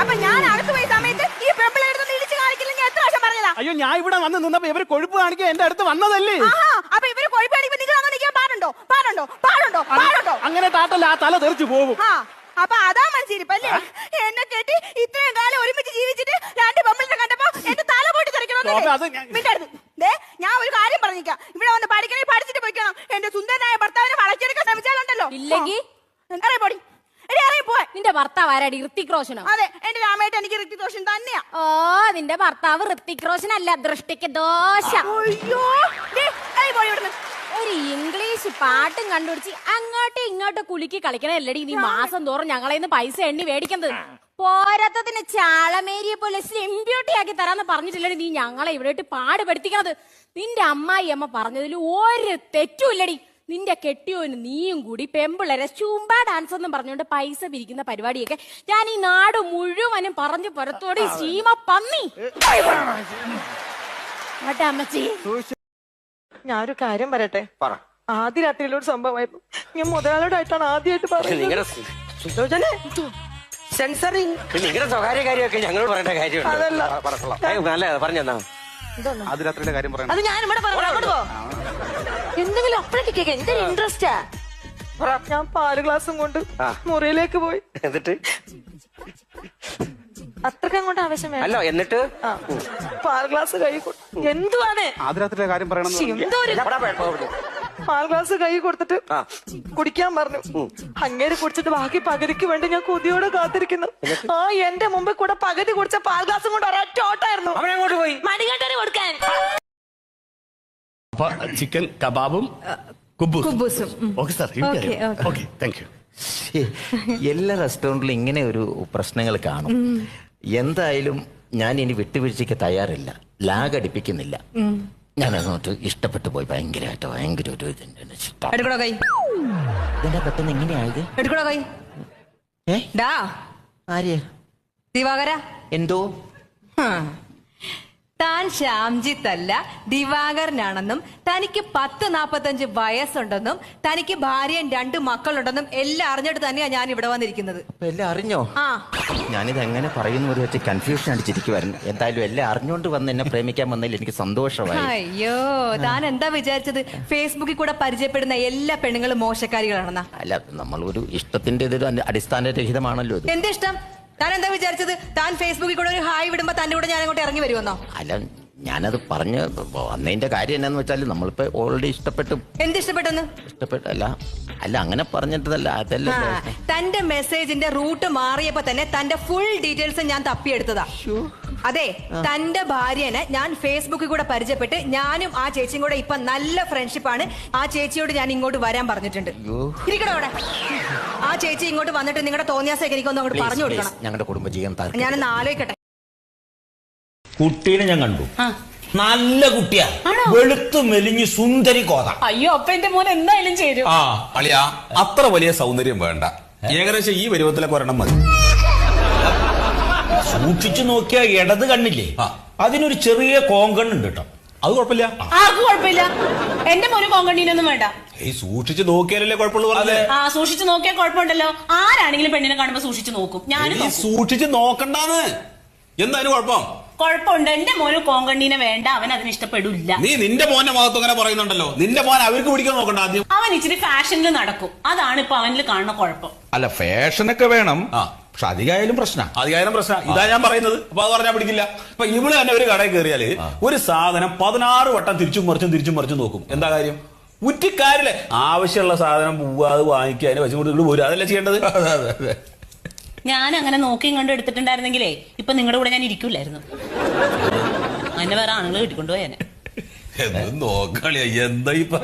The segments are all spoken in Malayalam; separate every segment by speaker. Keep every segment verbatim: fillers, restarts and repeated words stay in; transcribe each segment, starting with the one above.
Speaker 1: അപ്പൊ ഞാൻ അടുത്ത് പോയ സമയത്ത് ഈ പെമ്പിളെടുത്ത് ഇടിച്ചു കാണിക്കില്ലെങ്കിൽ എത്ര വർഷം പറഞ്ഞതാ?
Speaker 2: അയ്യോ ഞാൻ ഇവിടെ വന്ന് നിന്നപ്പോ ഇവര് കൊഴുപ്പ് കാണിക്കാൻ എന്റെ അടുത്ത് വന്നതല്ലേ.
Speaker 1: അപ്പൊ ഇവര് കൊഴുപ്പ് കാണിക്കുമ്പോ നിങ്ങൾ അങ്ങനെ നിൽക്കാൻ പാടുണ്ടോ? പാടുണ്ടോ? പാടുണ്ടോ? പാടുണ്ടോ?
Speaker 2: അങ്ങനെ താട്ടല്ല, ആ തല തെറിച്ചു പോകും.
Speaker 1: അപ്പൊ അതാ മനസ്സിരിപ്പല്ലേ? എന്നെ കേട്ടി ഇത്രയും കാലം ഒരുമിച്ച് ജീവിച്ചിട്ട് രണ്ട് പെമ്പിളിനെ കണ്ടപ്പോ എന്റെ തല പൊട്ടി തെറിക്കണോന്നേ. ഞാൻ ഒരു കാര്യം പറഞ്ഞിരിക്കാം, ഇവിടെ വന്ന് പഠിക്കണേ പഠിച്ചിട്ട് പോയിക്കണം. എന്റെ സുന്ദരനായ ഭർത്താവിനെ വളച്ചെടുക്കാൻ ശ്രമിച്ചാലുണ്ടല്ലോ
Speaker 3: ഇല്ലെങ്കിൽ
Speaker 1: അറിയ പൊടി
Speaker 3: നിന്റെ ഭർത്താവ് ആരാടി? ഋത്തിക് റോഷനോ?
Speaker 1: അതെ, എന്റെ രാമേട്ട് എനിക്ക് ഋത്തിക് റോഷൻ തന്നെയാ.
Speaker 3: ഓ, നിന്റെ ഭർത്താവ് ഋത്തിക് റോഷൻ അല്ല, ദൃഷ്ടിക്ക് ദോഷ.
Speaker 1: അയ്യോ
Speaker 3: ഒരു ഇംഗ്ലീഷ് പാട്ടും കണ്ടുപിടിച്ച് അങ്ങോട്ടും ഇങ്ങോട്ടും കുലുക്കി കളിക്കണല്ലടി നീ മാസം തോറും ഞങ്ങളെ നിന്ന് പൈസ എണ്ണി മേടിക്കുന്നത്. പോരാത്തതിന് ചാളമേരിയെ പോലെ സ്ലിം ബ്യൂട്ടി ആക്കി തരാന്ന് പറഞ്ഞിട്ടില്ലടി നീ ഞങ്ങളെ ഇവിടെ പാടുപെടുത്തിക്കണത്. നിന്റെ അമ്മായി അമ്മ പറഞ്ഞതിൽ ഒരു തെറ്റുമില്ലടി. നിന്റെ കെട്ടിയോന് നീയും കൂടി പെമ്പിളരെ ചൂമ്പ ഡാൻസ് എന്നും പറഞ്ഞുകൊണ്ട് പൈസ പിരിക്കുന്ന പരിപാടിയൊക്കെ ഞാൻ ഈ നാട് മുഴുവനും പറഞ്ഞു പുറത്തോടെ സീമ പന്നി. അമ്മച്ചി,
Speaker 4: ഞാനൊരു കാര്യം പറയട്ടെ. ആദ്യ രാത്രിയിലൊരു സംഭവമായിരുന്നു. ഞാൻ മുതലാളിയോടായിട്ടാണ് ആദ്യമായിട്ട് പറയുന്നത്.
Speaker 5: സെൻസറിങ് നിങ്ങളുടെ സ്വകാര്യ കാര്യമൊക്കെ ഞങ്ങളോട് പറയേണ്ട കാര്യമുണ്ട്. പറഞ്ഞെന്നാ
Speaker 2: ആദ്യരാത്രിയിലെ കാര്യം പറയാം.
Speaker 4: അത് ഞാൻ ഇവിടെ പറയാം. എന്തെങ്കിലും അപ്പഴേക്ക് കേൾക്കാൻ എന്തൊരു ഇൻട്രസ്റ്റാ. ഞാൻ പാല് ഗ്ലാസും കൊണ്ട് മുറിയിലേക്ക് പോയി.
Speaker 5: എന്നിട്ട്
Speaker 4: അത്രക്കും കൊണ്ട് ആവശ്യം
Speaker 5: അല്ലോ. എന്നിട്ട്
Speaker 4: പാൽ ഗ്ലാസ് കൈ എന്തുവാണ്
Speaker 2: ആദ്യരാത്രിയിലെ കാര്യം പറയണം.
Speaker 4: എന്തോ പാൽ ഗ്ലാസ് കൈ കൊടുത്തിട്ട് കുടിക്കാൻ പറഞ്ഞു. അങ്ങേര് കുടിച്ചിട്ട് ബാക്കി പകുതിക്ക് വേണ്ടി ഞാൻ കൊതിയോടെ കാത്തിരിക്കുന്നു. ആ എന്റെ മുമ്പിൽ കൂടെ പകുതി കുടിച്ച പാൽ ഗ്ലാസും കൊണ്ട് ഒരൊറ്റ ഓട്ടായിരുന്നു.
Speaker 5: അവനങ്ങോട്ട് പോയി
Speaker 4: മണികണ്ഠന് കൊടുക്കാൻ.
Speaker 6: ചിക്കൻ കബാബും
Speaker 3: കുബൂസും.
Speaker 6: Okay sir, okay, thank you.
Speaker 7: എല്ലാ റെസ്റ്റോറൻറ്റിലും ഇങ്ങനെ ഒരു പ്രശ്നങ്ങൾ കാണും. എന്തായാലും ഞാൻ ഇനി വിട്ടുവീഴ്ചയ്ക്ക് തയ്യാറില്ല, ലാഗ് അടിപ്പിക്കുന്നില്ല. ഞാൻ അങ്ങോട്ട് ഇഷ്ടപ്പെട്ടു പോയി ഭയങ്കരമായിട്ട്. ഭയങ്കര ഒരു ഇതിന്റെ പെട്ടെന്ന് എങ്ങനെയായത്? ആര്യ
Speaker 8: ദിവാകര,
Speaker 7: എന്തോ
Speaker 8: താൻ ശ്യാംജിത്തല്ല ദിവാകരനാണെന്നും തനിക്ക് പത്ത് നാപ്പത്തഞ്ച് വയസ്സുണ്ടെന്നും തനിക്ക് ഭാര്യയും രണ്ട് മക്കളുണ്ടെന്നും എല്ലാം അറിഞ്ഞിട്ട് തന്നെയാ ഞാൻ ഇവിടെ വന്നിരിക്കുന്നത്.
Speaker 7: എല്ലാം അറിഞ്ഞോ?
Speaker 8: ആ,
Speaker 7: ഞാനിത് എങ്ങനെ പറയുന്നു ഒരു വെച്ച് കൺഫ്യൂഷൻ അടിച്ചിരിക്കുവായിരുന്നു. എന്തായാലും എല്ലാം അറിഞ്ഞുകൊണ്ട് വന്ന് എന്നെ പ്രേമിക്കാൻ വന്നതിൽ എനിക്ക് സന്തോഷമായി.
Speaker 8: അയ്യോ, താൻ എന്താ വിചാരിച്ചത് ഫേസ്ബുക്കിൽ കൂടെ പരിചയപ്പെടുന്ന എല്ലാ പെണ്ണുങ്ങളും മോശക്കാരികളാണെന്നാ?
Speaker 7: അല്ല, നമ്മൾ ഒരു ഇഷ്ടത്തിന്റെ ഇതൊരു അടിസ്ഥാനരഹിതമാണല്ലോ ഇത്.
Speaker 8: എന്ത് ഇഷ്ടം? താൻ എന്താ വിചാരിച്ചത്? താൻ ഫേസ്ബുക്കിൽ കൂടെ ഒരു ഹായ് വിടുമ്പോ തന്റെ കൂടെ ഞാൻ അങ്ങോട്ട് ഇറങ്ങി വരുമെന്നോ?
Speaker 7: അല്ല, ഞാനത് പറഞ്ഞ് വന്നതിന്റെ കാര്യം എന്നാന്ന് വെച്ചാൽ നമ്മളിപ്പോ ഓൾറെഡി ഇഷ്ടപ്പെട്ടു.
Speaker 8: എന്ത് ഇഷ്ടപ്പെട്ടെന്ന്?
Speaker 7: ഇഷ്ടപ്പെട്ടല്ല, അല്ല അങ്ങനെ പറഞ്ഞിട്ടതല്ല. അതല്ല,
Speaker 8: തന്റെ മെസ്സേജിന്റെ റൂട്ട് മാറിയപ്പോ തന്നെ തന്റെ ഫുൾ ഡീറ്റെയിൽസ് ഞാൻ തപ്പിയെടുത്തതാ. അതെ, തന്റെ ഭാര്യനെ ഞാൻ ഫേസ്ബുക്കിൽ കൂടെ പരിചയപ്പെട്ട് ഞാനും ആ ചേച്ചിയും കൂടെ ഇപ്പൊ നല്ല ഫ്രണ്ട്ഷിപ്പാണ്. ആ ചേച്ചിയോട് ഞാൻ ഇങ്ങോട്ട് വരാൻ പറഞ്ഞിട്ടുണ്ട്. ഇരിക്കണോ അവിടെ? ആ ചേച്ചി ഇങ്ങോട്ട് വന്നിട്ട് നിങ്ങളുടെ തോന്നിയാസൊക്കെ എനിക്കൊന്നും അങ്ങോട്ട് പറഞ്ഞു കൊടുക്കണം.
Speaker 7: ഞങ്ങളുടെ കുടുംബജീവൻ
Speaker 8: ഞാനൊന്ന് ആലോചിക്കട്ടെ.
Speaker 6: കുട്ടീനെ ഞാൻ കണ്ടു, നല്ല കുട്ടിയാ, വെളുത്തു മെലിഞ്ഞ് സുന്ദരി കോത.
Speaker 3: അയ്യോ, അപ്പൊ എന്റെ മോൻ എന്തായാലും ചേരും.
Speaker 9: ആ അളിയാ, അത്ര വലിയ സൗന്ദര്യം വേണ്ട, ഏകദേശം ഈ പരുവത്തിലൊക്കെ ഒരെണ്ണം മതി.
Speaker 6: സൂക്ഷിച്ചു നോക്കിയാ ഇടത് കണ്ണില്ലേ, അതിനൊരു ചെറിയ കോങ്കണ്ണുണ്ട് കേട്ടോ.
Speaker 9: അത് കുഴപ്പമില്ല.
Speaker 3: ആർക്കും കുഴപ്പമില്ല, എന്റെ മോന് കോങ്കണ്ണീനൊന്നും വേണ്ട.
Speaker 9: ഈ സൂക്ഷിച്ചു നോക്കിയാലല്ലേ കുഴപ്പമുള്ളൂ പറഞ്ഞത്.
Speaker 3: ആ, സൂക്ഷിച്ചു നോക്കിയാൽ കുഴപ്പമുണ്ടല്ലോ. ആരാണെങ്കിലും പെണ്ണിനെ കാണുമ്പോ സൂക്ഷിച്ചു നോക്കും. ഞാൻ
Speaker 9: സൂക്ഷിച്ചു നോക്കണ്ടാന്ന്. എന്തായാലും കുഴപ്പം?
Speaker 3: കുഴപ്പമുണ്ട്, എന്റെ മോന് കോങ്കണ്ണീനെ വേണ്ട, അവൻ അതിന് ഇഷ്ടപ്പെടില്ല.
Speaker 9: നീ നിന്റെ മോന്റെ മുഖത്ത് അങ്ങനെ പറയുന്നുണ്ടല്ലോ. നിന്റെ മോൻ അവർക്ക് പിടിക്കാൻ നോക്കണ്ട ആദ്യം.
Speaker 3: അവൻ ഇച്ചിരി ഫാഷനിൽ നടക്കും, അതാണ് ഇപ്പൊ അവനിൽ കാണുന്ന കുഴപ്പം.
Speaker 9: അല്ല, ഫാഷനൊക്കെ വേണം, പക്ഷെ അധികമായാലും പ്രശ്നം. അധികമായാലും പ്രശ്നം, ഇതാ ഞാൻ പറയുന്നത്. അപ്പൊ അത് പറഞ്ഞാൽ പിടിക്കില്ല. ഇപ്പൊ ഇവിടെ തന്നെ ഒരു കടയിൽ കയറിയാല് ഒരു സാധനം പതിനാറ് വട്ടം തിരിച്ചും മറിച്ചും തിരിച്ചും മറിച്ചും നോക്കും. എന്താ കാര്യം? ഉറ്റിക്കാരില്ലേ, ആവശ്യമുള്ള സാധനം പോവുക, അത് വാങ്ങിക്കുക, അതിനെ വെച്ചുകൊണ്ട് ഇവിടെ പോരുക, അതല്ലേ ചെയ്യേണ്ടത്. അതെ അതെ അതെ.
Speaker 3: ഞാൻ അങ്ങനെ നോക്കിയും കണ്ട് എടുത്തിട്ടുണ്ടായിരുന്നെങ്കിലേ ഇപ്പൊ നിങ്ങളുടെ കൂടെ ഞാൻ ഇരിക്കൂലായിരുന്നു. അതിനെ വേറെ ആണുങ്ങൾ കിട്ടിക്കൊണ്ടുപോയാനെ.
Speaker 9: നോക്കളിയ എന്താ ഇപ്പൊ?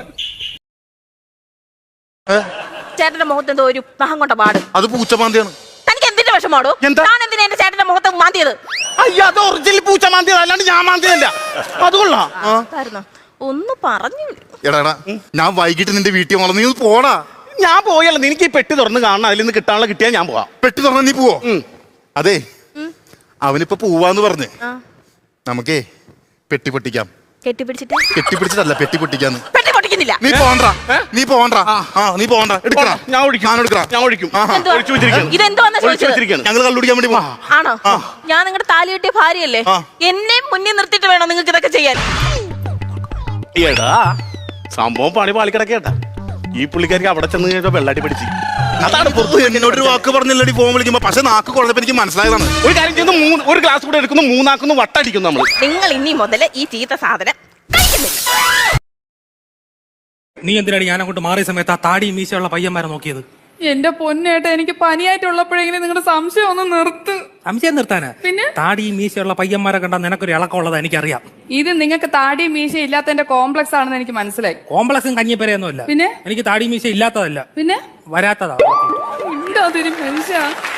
Speaker 1: ചേട്ടന്റെ മുഖത്ത് എന്തോ ഒരു നഖം കൊണ്ട പാട്.
Speaker 2: അത് പൂച്ചമാന്തിയാണ്.
Speaker 1: തനിക്ക് എന്തിന്റെ വിഷമാടോ? ഞാൻ എന്തിനാ എന്റെ ചേട്ടന്റെ മുഖത്ത് മാന്തിയത്?
Speaker 2: അയ്യോ, അത് ഒറിജിനൽ പൂച്ച മാന്തിയത്, അല്ലാണ്ട് ഞാൻ മാന്തിയല്ല. അത് കൊള്ളാം.
Speaker 1: ഒന്ന് പറഞ്ഞു.
Speaker 10: എടാ, ഞാൻ വൈകിട്ട് നിന്റെ വീട്ടിൽ വന്നു, നീ പോടാ.
Speaker 2: ഞാൻ പോയല്ലോ, നിനക്ക് ഈ പെട്ടി തുറന്ന് കാണണം, അതിൽ നിന്ന് കിട്ടാനുള്ള കിട്ടിയാ ഞാൻ പോവാം.
Speaker 10: പെട്ടി തുറന്ന നീ പോവോ? അതെ, അവനിപ്പോ പോവാന്ന് പറഞ്ഞ് നമുക്കേ പെട്ടി പൊട്ടിക്കാം.
Speaker 1: കെട്ടിപ്പിടിച്ചിട്ട്
Speaker 10: കെട്ടിപ്പിടിച്ചിട്ടല്ല, പെട്ടി പൊട്ടിക്കാന്ന്.
Speaker 1: പെട്ടി പൊട്ടിക്കാൻ കുടിക്കുന്നില്ല.
Speaker 10: നീ പോണ്ട നീ പോണ്ട ആ നീ പോണ്ട എടുക്കണം.
Speaker 2: ഞാൻ ഒഴിക്കും
Speaker 10: ഞാൻ എടുക്കണം.
Speaker 2: ഞാൻ ഒഴിക്കും
Speaker 1: ഇതെന്തുവാ?
Speaker 2: ഒഴിച്ചു വെച്ചിരിക്കുന്നു
Speaker 1: ഇതെന്തുവാന്നാ
Speaker 2: ഒഴിച്ചു
Speaker 1: ചോദിച്ചത്?
Speaker 2: വെച്ചിരിക്കുന്നു
Speaker 10: ഞങ്ങൾ കള്ളുടിക്കാൻ വേണ്ടി പോവാ.
Speaker 1: ആണോ? ഞാൻ നിങ്ങളുടെ താലി കെട്ടിയ ഭാര്യയല്ലേ?
Speaker 10: ആ.
Speaker 1: എന്നെ മുന്നിൽ നിർത്തിയിട്ട് വേണോ നിങ്ങൾക്ക് ഇതൊക്കെ ചെയ്യാൻ?
Speaker 2: എടാ സംഭവം പണി പാളിക്കിടക്കേട്ടാ. ഈ പുള്ളിക്കാർക്ക് അവിടെ ചെന്ന് കഴിഞ്ഞാൽ വെള്ളാട്ടി പിടിച്ച്
Speaker 10: അതാണ് പുറത്ത് എന്നോടൊരു വാക്ക് പറഞ്ഞില്ലടി ഫോൺ വിളിക്കുമ്പോ. പക്ഷെ നാക്ക് കുഴപ്പമില്ല, എനിക്ക് മനസ്സിലായതാണ്.
Speaker 2: ഒരു കാര്യം ചെയ്യുന്നു, മൂന്ന് ഒരു ഗ്ലാസ് കൂടെ എടുക്കുന്നു, മൂന്നാക്കുന്നു, വട്ടടിക്കുന്നു നമ്മള്.
Speaker 1: നിങ്ങൾ ഇനി മുതൽ ഈ ചീത്ത സാധനം കഴിക്കുന്നില്ല.
Speaker 11: നീ എന്തിനാണ് ഞാൻ അങ്ങോട്ട് മാറിയ സമയത്ത് ആ താടി മീശയുള്ള പയ്യന്മാരെ നോക്കിയത്?
Speaker 4: എന്റെ പൊന്നേട്ട, എനിക്ക് പനിയായിട്ടുള്ളപ്പോഴെങ്കിലും നിങ്ങളുടെ സംശയം ഒന്ന് നിർത്ത്.
Speaker 11: സംശയം നിർത്താനാ?
Speaker 4: പിന്നെ
Speaker 11: താടി മീശയുള്ള പയ്യന്മാരെ കണ്ടാൽ നിനക്കൊരു ഇളക്കമുള്ളത് എനിക്കറിയാം.
Speaker 4: ഇത് നിങ്ങൾക്ക് താടി മീശ ഇല്ലാത്തതിന്റെ കോംപ്ലക്സ് ആണെന്ന് എനിക്ക് മനസ്സിലായി.
Speaker 11: കോംപ്ലക്സും കഞ്ഞിപ്പരയൊന്നുമല്ല.
Speaker 4: പിന്നെ
Speaker 11: എനിക്ക് താടി മീശ ഇല്ലാത്തതല്ല,
Speaker 4: പിന്നെ
Speaker 11: വരാത്തതാ.
Speaker 4: എന്താ മനുഷ്യ